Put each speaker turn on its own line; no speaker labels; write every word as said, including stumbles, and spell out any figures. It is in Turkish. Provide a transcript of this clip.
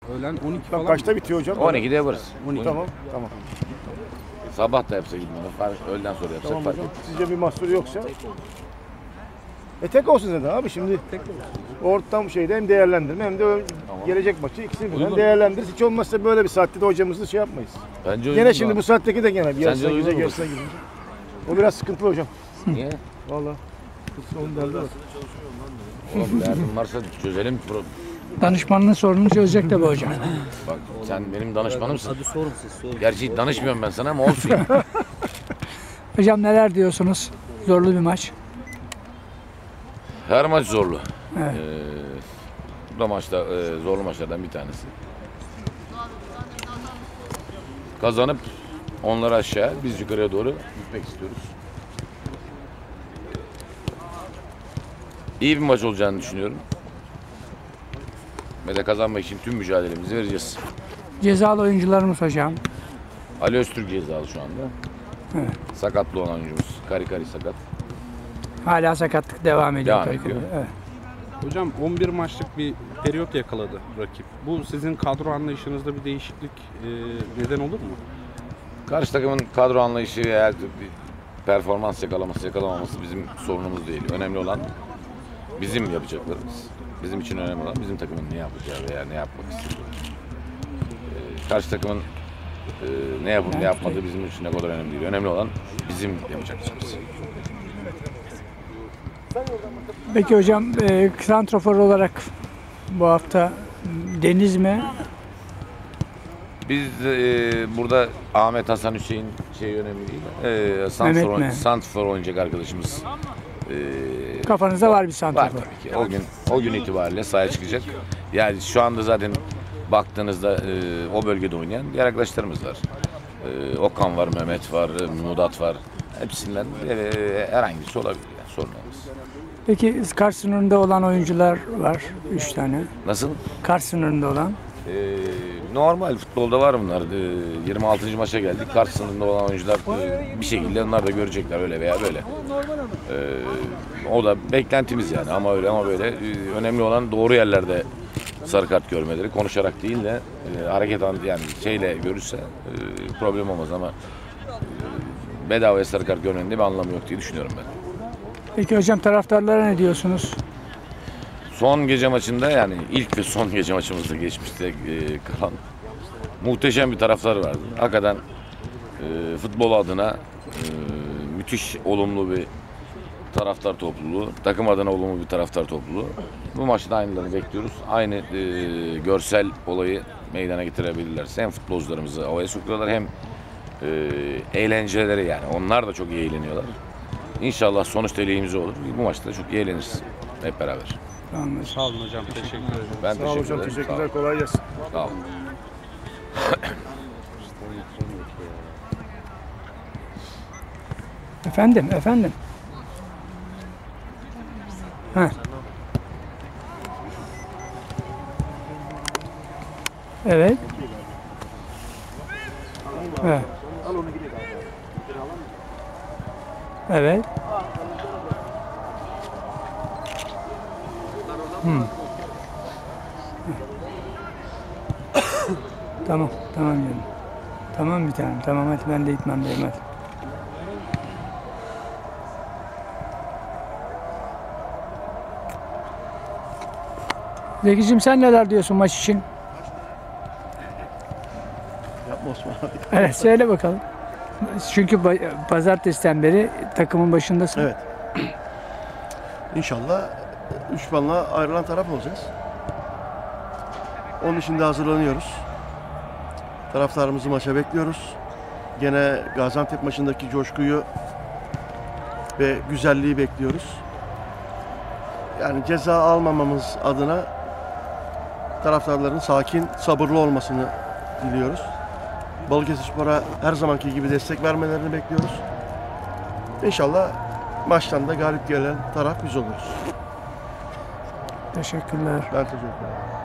Öğlen on iki
Bak
falan.
kaçta bitiyor hocam?
on ikide yaparız.
on iki. Tamam, tamam.
Sabah da yapsa gitmeden, fark, öğleden sonra yapsak
Tamam
fark
hocam.
etmez.
Sizce bir mahsur yoksa? E tek olsun zaten abi şimdi. Ortam şeyde hem değerlendirme hem de o gelecek maçı ikisini birden değerlendiririz. Hiç olmazsa böyle bir saatte de hocamızı şey yapmayız.
Bence
Gene
uygun
şimdi
mu?
bu saatteki de gene bir yarısına
uygun
girecek
mu?
yarısına girecek. O biraz sıkıntılı hocam.
Niye?
Vallahi. Onun derdi var.
Oğlum derdim varsa çözelim.
Danışmanlığın sorununu çözecek tabii hocam.
Bak sen benim danışmanımsın.
Hadi sorun siz sorun.
Gerçi danışmıyorum ben sana ama olsun.
Hocam neler diyorsunuz? Zorlu bir maç.
Her maç zorlu.
Evet.
Ee, bu da maçta e, zorlu maçlardan bir tanesi. Kazanıp onları aşağı, biz yukarıya doğru gitmek istiyoruz. İyi bir maç olacağını düşünüyorum. Ve de kazanmak için tüm mücadelemizi vereceğiz.
Cezalı oyuncularımız hocam.
Ali Öztürk cezalı şu anda.
Evet.
Sakatlı olan oyuncumuz. Kari Kari sakat.
Hala sakatlık devam ediyor.
Devam
tabii.
ediyor.
Evet.
Hocam on bir maçlık bir periyot yakaladı rakip. Bu sizin kadro anlayışınızda bir değişiklik e, neden olur mu?
Karşı takımın kadro anlayışı eğer bir performans yakalaması yakalamaması bizim sorunumuz değil. Önemli olan bizim yapacaklarımız. Bizim için önemli olan bizim takımın ne yapacağı veya ne yapmak istediği. Ee, karşı takımın e, ne yapıp ne yapmadığı bizim için ne kadar önemli değil. Önemli olan bizim yapacaklarımız.
Peki hocam e, santrafor olarak bu hafta Deniz mi?
Biz e, burada Ahmet Hasan Hüseyin şey önemli değil. E, Santrfor,
mi?
Santrfor oynayacak arkadaşımız. E,
Kafanızda var bir
Var
santrafor.
tabii ki. O gün o gün itibariyle sahaya çıkacak. Yani şu anda zaten baktığınızda e, o bölgede oynayan diğer arkadaşlarımız var. E, Okan var, Mehmet var, e, Mudat var. Hepsinden e, herhangi birisi olabilir yani sorun olmaz.
Peki Kars sınırında olan oyuncular var. Üç tane.
Nasıl?
Kars sınırında olan.
E, normal futbolda var bunlar. E, yirmi altıncı maça geldik. Kart sınırında olan oyuncular e, bir şekilde onlar da görecekler öyle veya böyle. E, o da beklentimiz yani ama öyle ama böyle. E, önemli olan doğru yerlerde sarı kart görmeleri. Konuşarak değil de e, hareket an yani şeyle görürse e, problem olmaz ama e, bedavaya sarı kart görmenin de bir anlamı yok diye düşünüyorum ben.
Peki hocam taraftarlara ne diyorsunuz?
Son gece maçında yani ilk ve son gece maçımızda geçmişte e, kalan muhteşem bir taraftar vardı. Hakikaten e, futbol adına e, müthiş olumlu bir taraftar topluluğu, takım adına olumlu bir taraftar topluluğu. Bu maçta aynılarını bekliyoruz. Aynı e, görsel olayı meydana getirebilirlerse hem futbolcularımızı havaya sokuyorlar hem e, eğlenceleri yani. Onlar da çok iyi eğleniyorlar. İnşallah sonuç dileğimiz olur. Bu maçta da çok iyi eğleniriz hep beraber.
Tamam.
Sağ olun hocam. Teşekkür ederim.
Ben
Sağ olun
teşekkür
hocam.
ederim.
Teşekkürler. Kolay gelsin.
Sağ olun.
Efendim, efendim. Ha. Evet. Evet. Evet. Hmm. Tamam, tamam canım. Tamam bir tanem, tamam hadi ben de gitmem benim hadi. Zekicim sen neler diyorsun maç için?
Yapma Osman abi.
Evet söyle bakalım. Çünkü ba- pazartesiden beri takımın başındasın.
Evet. İnşallah üç puanla ayrılan taraf olacağız. Onun için de hazırlanıyoruz. Taraftarımızı maça bekliyoruz. Gene Gaziantep maçındaki coşkuyu ve güzelliği bekliyoruz. Yani ceza almamamız adına taraftarların sakin, sabırlı olmasını diliyoruz. Balıkesirspor'a her zamanki gibi destek vermelerini bekliyoruz. İnşallah maçtan da galip gelen taraf biz oluruz.
Teşekkürler.
Ben teşekkür ederim.